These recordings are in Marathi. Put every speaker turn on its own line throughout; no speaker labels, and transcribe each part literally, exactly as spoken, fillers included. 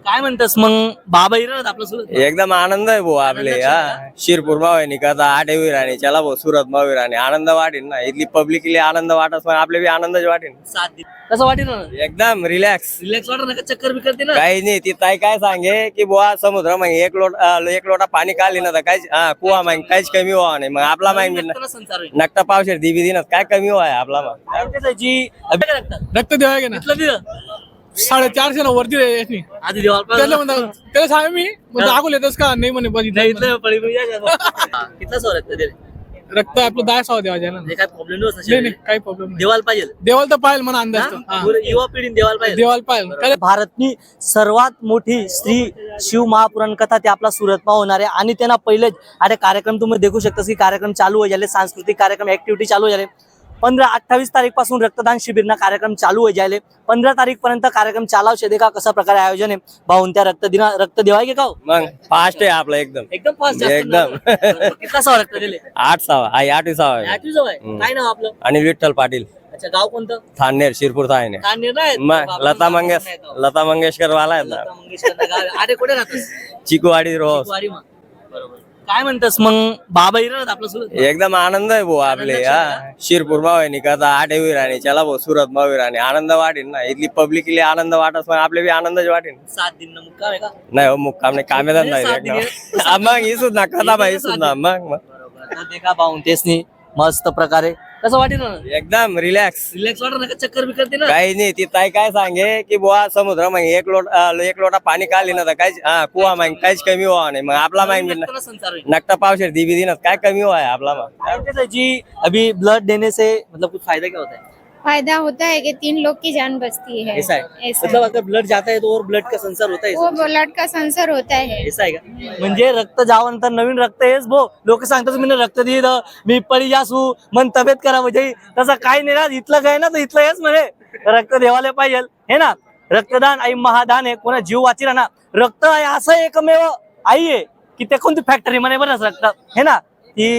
काय म्हणतस मग बाबा इराणात आपलं सुरत
एकदम आनंद आहे भाऊ आपले
आनंदाची
हा शिरपूर मावणी कथा आठवी राणी चला भाऊ सुरत मावी राणी आनंद वाटेन ना इथली पब्लिकली आनंद वाटत पण आपले बी आनंदच वाटेन.
सात दिन कसं वाटेल ना
एकदम रिलॅक्स
रिलॅक्स वाटत ना का चक्कर बी करते ना
काही नाही ती ताई काय सांगे की बुवा समुद्र मग एक लोटा एक लोटा पाणी काढली ना तर काहीच हा कुवा मग काहीच कमी व्हावं नाही मग आपला माहिती
रक्ताला संसार होईल.
नकटा पावशेर दिबी दिनच काय कमी व्हाय आपला मग
काय म्हणते त्याची अभ्यास रक्तात
रक्त देवाय ना
इथलं दिलं
साडेचारशे ना वरती रे याची.
आधी देवाला
त्याला म्हणता त्याला सांग मी मग दाखवून येतस का नाही म्हणे
नाही
बघितलं
इथलं पडी पडी या का? हा, कितला सौ रक्त दिले
रक्त आपलं दहा सहा देवाच्या ना
म्हणजे काय प्रॉब्लेम नसतो
नाही नाही काही प्रॉब्लेम नाही
देवाला पाहिजे
देवाला तर पाहिजे म्हणा अंदाज तो. हा.
पुरं युवा पिढी देवाला पाहिजे
देवाला पाहिजे काय
भारतनी सर्वात मोठी श्री शिव महापुराण कथा ते आपला सुरतमा होणार आहे आणि त्यांना पहिले अरे कार्यक्रम तुम्ही देखू शकता की कार्यक्रम चालू हो झाले सांस्कृतिक कार्यक्रम ऍक्टिव्हिटी चालू हो झाले पंधरा अठ्ठावीस तारीख पासून रक्तदान शिबिरना कार्यक्रम चालू हो जायले पंधरा तारीख पर्यंत कार्यक्रम चालाव शेदे का कशा प्रकारे आयोजन आहे भाऊन त्या रक्त दिना रक्त देवाय के का हो?
मग फास्ट आहे आपलं एकदम
एकदम फास्ट
एकदम.
कितना सौ रक्त दिले
आठ सहा आई आठवी सहा
आठवी जवळ आहे काय नाव आपलं
आणि विठ्ठल पाटील
अच्छा गाव कोणतं
थानेर शिरपूर थाने
का निर्णय आहे?
मग
बाबा,
लता
बाबा
मंगेश
नाही तो.
लता मंगेशकर वाला आहेत ना
लता मंगेशकर गाव आहे. अरे कुठे राहतोस
चिकूवाडी रोज
वारी मग बरोबर काय म्हणतस मग बाबा इराणात आपलं सुरत
एकदम आनंद आहे भाऊ आपले हा शिरपूर मावणी कथा आठवी राणी चला भाऊ सुरत मावी राणी आनंद वाटेन ना इथली पब्लिकली आनंद वाटत पण आपले बी आनंदच वाटेन.
सात दिन मुक्काम आहे का
नाही हो मुक्काम नाही कामेदार
नाही, सात
नाही
दिवस.
हा, मग ही सुद्धा कथा बाई सुद्धा मग मग
बरोबर तर ते का पाहून तेच मस्त प्रकारे कसं वाटेल ना
एकदम रिलॅक्स
रिलॅक्स वाटत ना का चक्कर बी करते ना
काही नाही ती ताई काय सांगे की बुवा समुद्र मग एक लोटा एक लोटा पाणी काढली ना तर काहीच हा कुवा मग काहीच कमी व्हावं नाही मग आपला माहिती
रक्ताला संसार होईल.
नकटा पावशेर दिबी दिनच काय कमी व्हाय आपला मग
काय म्हणते जी अभी ब्लड देने से मतलब कुछ फायदा क्या होता है
फायदा होता है कि तीन लोग की जान बचती है
ऐसा है
ऐसा
मतलब अगर ब्लड जाता है तो और ब्लड का संसार होता है
वो ब्लड का संसर होता है
ऐसा आहे का म्हणजे रक्त जावनंतर नवीन रक्त हेच भो लोक सांगतात मी रक्त दिलं मी पडी जासू मन तब्येत करा म्हणजे तसं काही नाही ना इथलं काय ना तर इथलं हेच म्हणे रक्त देवाला पाहिजे हे ना रक्तदान आई महादान आहे कोणा जीव वाची ना रक्त आहे असं एकमेव आई आहे की ते कोणती फॅक्टरी म्हणे बरंच रक्त हे ना ती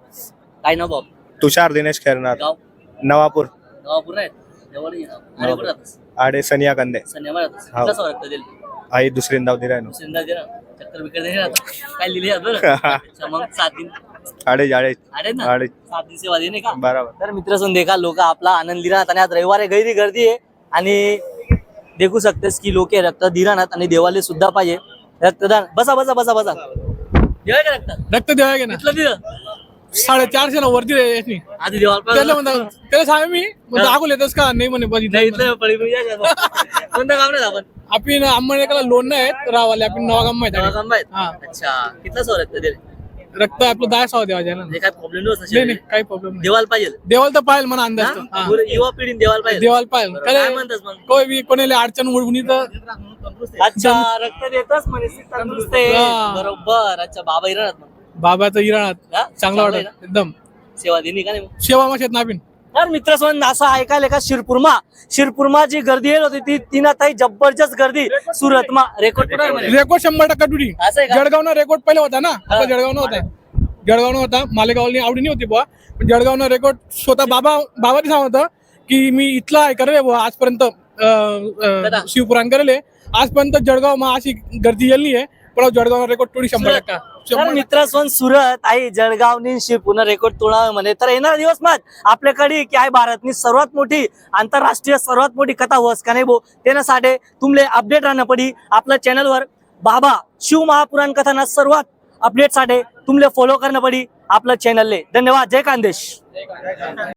काय ना बाब
तुषार दिनेश खैरनार
गाव
नवापूर
गावापूर आहेत जवळ ये ना. आणि कुठं राहतोस?
आडे सनिया कंदे
संध्याकाळ राहतोस.
हो.
कसं रक्त दिलं
आई दुसरींदा दिलाय ना
सिंधा दे ना चक्कर बिकर दे ना काय लिहिले आहे बरं अच्छा, मग सात दिन
आडे जाडे
अरे ना
आडे
सात दिन सेवा देणे का
बराबर
तर मित्र सुन देखा लोक आपला आनंद दिरानात आणि आज रविवारी गैरी गर्दी आहे आणि देखू शकतेस की लोक रक्त दिरानात आणि देवाले सुद्धा पाहिजे रक्तदान बसा बसा बसा बसा देवाय का रक्त
रक्त देवाय ना
इथलं दिलं
साडेचारशे ना वरती रे याची.
आधी देवाला
त्याला
पाहिजे.
म्हणता त्याला सांग मी मग दाखवून येतस का नाही म्हणे
नाही
बघितलं
इथलं पडी पडी या का? कोणतं काम नाही आपण
आपण अंबरनाथला लोन नाही रावाले आपण नवागाम माहिती आहे.
काम माहित
हा.
अच्छा कितला सौ रक्त दिले
रक्त आपलं दहा सहा देवाच्या ना
म्हणजे काय प्रॉब्लेम
नाही
नसतो
नाही काही प्रॉब्लेम नाही
देवाला पाहिजे
देवाला तर पाहिजे म्हणा अंदाज तो.
हा?
हा.
पुरं युवा पिढी देवाला पाहिजे
देवाला पाहिजे
बरोबर. काय
काय
म्हणतात मग
कोई बी कोणाला अडचण उडवणी तर
अच्छा रक्त देतच म्हणे तंदुरुस्त आहे.
हा.
बरोबर अच्छा बाबा इराणात मग
बाबाचं इराणात
हा?
चांगलं
आहे
वाटत एकदम
सेवा दिली का नाही मग?
सेवा माशात ना आपण
तर मित्र असं ऐकायला का शिरपूरमा शिरपूरमा जी गर्दी येत होती ती तिना ताई जबरदस्त गर्दी सुरतमा रेकॉर्ड कुठं आहे म्हणे?
रेकॉर्ड शंभर टक्का टुटी
असं आहे का
जळगावनं रेकॉर्ड पहिले होता ना आपला जळगावनं होता जळगावनं होता मालेगावनी आवडी नाही होती बुवा पण जळगावनं रेकॉर्ड स्वतः बाबा बाबाने सांगत होतं की मी इथला आहे करे बुवा आजपर्यंत अं, अं, शिवपुराण करेल आजपर्यंत जळगाव मा अशी गर्दी येली आहे पण जळगाव रेकॉर्ड टोळी शंभर टक्का
तर मित्र सुरत आई जळगावनी पुन्हा रेकॉर्ड तोडावे म्हणे तर येणारा दिवस मात आपल्याकडे की आहे भारतनी सर्वात मोठी आंतरराष्ट्रीय सर्वात मोठी कथा होस का नाही भो त्यासाठी तुमले अपडेट राहणं पडी आपल्या चॅनलवर बाबा शिव महापुराण कथाना सर्वात अपडेट साठी तुमले फॉलो करणं पडी आपलं चॅनलले धन्यवाद जय खानदेश.